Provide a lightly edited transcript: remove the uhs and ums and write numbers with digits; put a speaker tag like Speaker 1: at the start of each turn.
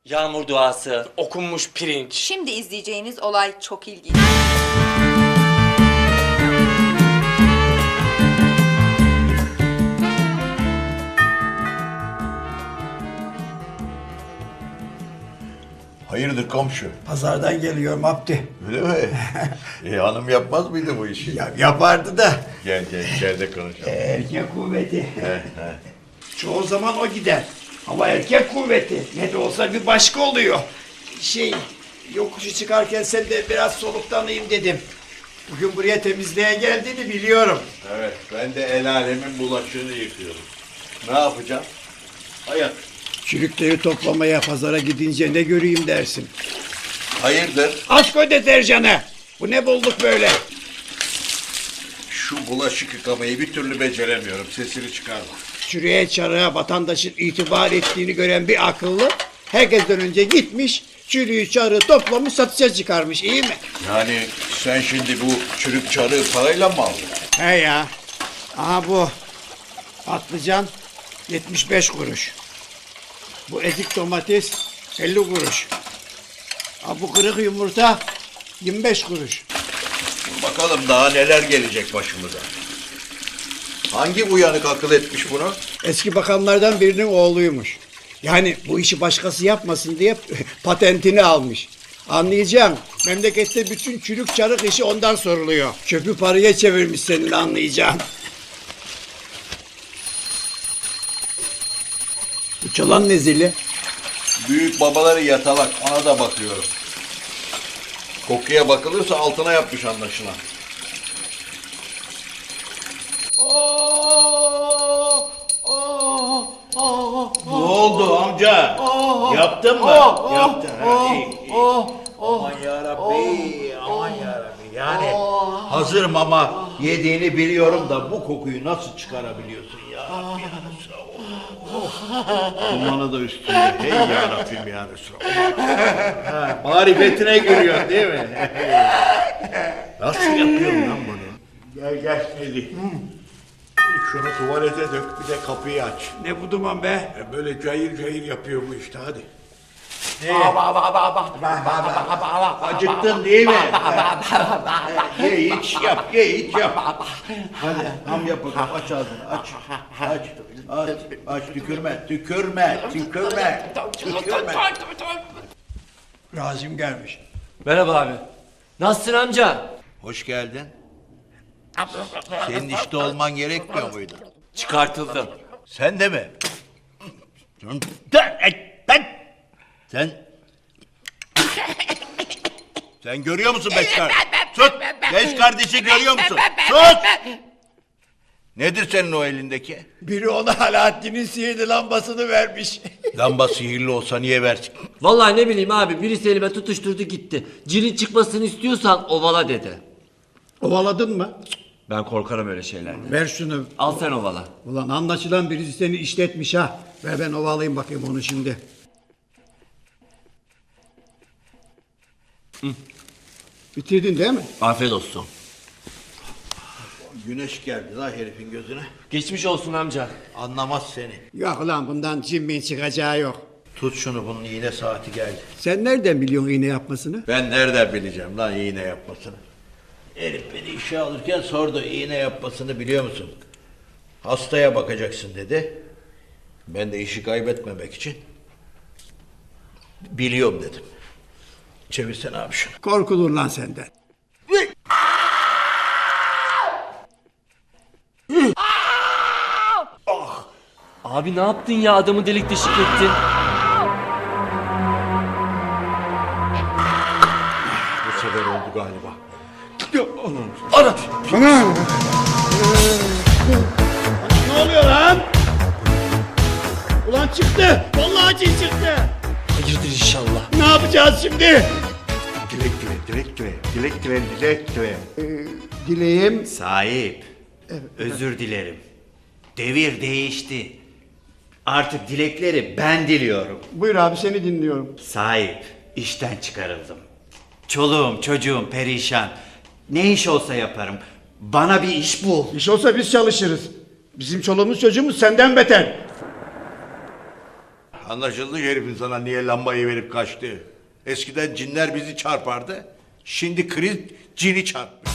Speaker 1: Yağmur duası.
Speaker 2: Okunmuş pirinç.
Speaker 3: Şimdi izleyeceğiniz olay çok ilginç.
Speaker 4: Hayırdır komşu?
Speaker 5: Pazardan geliyorum Abdi.
Speaker 4: Öyle mi? Hanım yapmaz mıydı bu işi?
Speaker 5: Ya, yapardı da.
Speaker 4: Gel içeride konuşalım.
Speaker 5: Erkek kuvveti. Çoğu zaman o gider. Ama erkek kuvveti. Ne de olsa bir başka oluyor. Yokuşu çıkarken sen de biraz soluklanayım dedim. Bugün buraya temizliğe geldiğini biliyorum.
Speaker 4: Evet, ben de el alemin bulaşığını yıkıyorum. Ne yapacağım? Hayat.
Speaker 5: Çürükleri toplamaya pazara gidince ne göreyim dersin.
Speaker 4: Hayırdır?
Speaker 5: Aç koy deterjanı. Bu ne bulduk böyle?
Speaker 4: Şu bulaşık yıkamayı bir türlü beceremiyorum. Sesini çıkarma.
Speaker 5: Çürüğe çarığa vatandaşın itibar ettiğini gören bir akıllı herkesten önce gitmiş, çürüğü çarığı toplamış satışa çıkarmış, iyi mi?
Speaker 4: Yani sen şimdi bu çürük çarığı parayla mı aldın?
Speaker 5: He ya. Aha bu. Patlıcan 75 kuruş. Bu ezik domates 50 kuruş. Ha bu kırık yumurta 25 kuruş.
Speaker 4: Bakalım daha neler gelecek başımıza. Hangi uyanık akıl etmiş bunu?
Speaker 5: Eski bakanlardan birinin oğluymuş. Yani bu işi başkası yapmasın diye patentini almış. Anlayacağım. Memlekette bütün çürük çarık işi ondan soruluyor. Çöpü paraya çevirmiş senin anlayacağın. Bu çalan ne zili?
Speaker 4: Büyük babaları yatalak, ona da bakıyorum. Kokuya bakılırsa altına yapmış anlaşılan.
Speaker 6: Ne oldu amca? Yaptın mı? Yaptın. Aman yarabbi, aman yarabbi. Yani hazır mama yediğini biliyorum da bu kokuyu nasıl çıkarabiliyorsun ya? Dumanı da üstünde. Hey yarabbim ya Resulallah. Marifetine giriyor değil mi? Nasıl yapıyorsun lan bunu? Gel gel Melih. Şunu tuvalete dök, bir de kapıyı aç.
Speaker 5: Ne bu duman be?
Speaker 6: Böyle cayır cayır yapıyor bu işte, hadi. Acıktın değil mi? Ye iç yap, ye iç yap. Hadi ham yap bakalım, aç ağzını, aç. Aç, tükürme, tükürme.
Speaker 5: Razim gelmiş.
Speaker 1: Merhaba abi. Nasılsın amca?
Speaker 4: Hoş geldin. Senin işte olman gerekmiyor muydu?
Speaker 1: Çıkartıldım.
Speaker 4: Sen de mi? Sen görüyor musun beş kardeş? Sus! Beş kardeşi görüyor musun? Sus! Nedir senin o elindeki?
Speaker 5: Biri ona Alaaddin'in sihirli lambasını vermiş.
Speaker 4: Lamba sihirli olsa niye versin?
Speaker 1: Vallahi ne bileyim abi, birisi elime tutuşturdu gitti. Cilin çıkmasını istiyorsan ovala dedi.
Speaker 5: Ovaladın mı?
Speaker 1: Ben korkarım öyle şeylerden.
Speaker 5: Ver şunu.
Speaker 1: Al sen ovala.
Speaker 5: Ulan anlaşılan birisi seni işletmiş ha. Ver ben ovalayayım bakayım onu şimdi. Bitirdin değil mi?
Speaker 1: Afiyet olsun.
Speaker 4: Güneş geldi la herifin gözüne.
Speaker 1: Geçmiş olsun amca.
Speaker 4: Anlamaz seni.
Speaker 5: Yok ulan bundan cimmin çıkacağı yok.
Speaker 4: Tut şunu, bunun iğne saati geldi.
Speaker 5: Sen nereden biliyorsun iğne yapmasını?
Speaker 4: Ben nereden bileceğim lan iğne yapmasını? Herif beni işe alırken sordu, iğne yapmasını biliyor musun? Hastaya bakacaksın dedi. Ben de işi kaybetmemek için biliyorum dedim. Çevirsene abi şunu.
Speaker 5: Korkulur lan senden.
Speaker 1: Abi ne yaptın ya, adamı delik deşik ettin.
Speaker 4: Bu sefer oldu galiba.
Speaker 1: Ana!
Speaker 5: Ne oluyor lan? Ulan çıktı. Vallahi cin çıktı.
Speaker 1: Hayırdır inşallah.
Speaker 5: Ne yapacağız şimdi?
Speaker 6: Dilek dile.
Speaker 5: Dileğim.
Speaker 7: Sahip, özür dilerim. Devir değişti. Artık dilekleri ben diliyorum.
Speaker 5: Buyur abi seni dinliyorum.
Speaker 7: Sahip, işten çıkarıldım. Çoluğum, çocuğum perişan. Ne iş olsa yaparım. Bana bir iş bul.
Speaker 5: İş olsa biz çalışırız. Bizim çoluğumuz çocuğumuz senden beter.
Speaker 6: anlaşıldı herifin sana niye lambayı verip kaçtı. Eskiden cinler bizi çarpardı. Şimdi kriz cini çarpmış.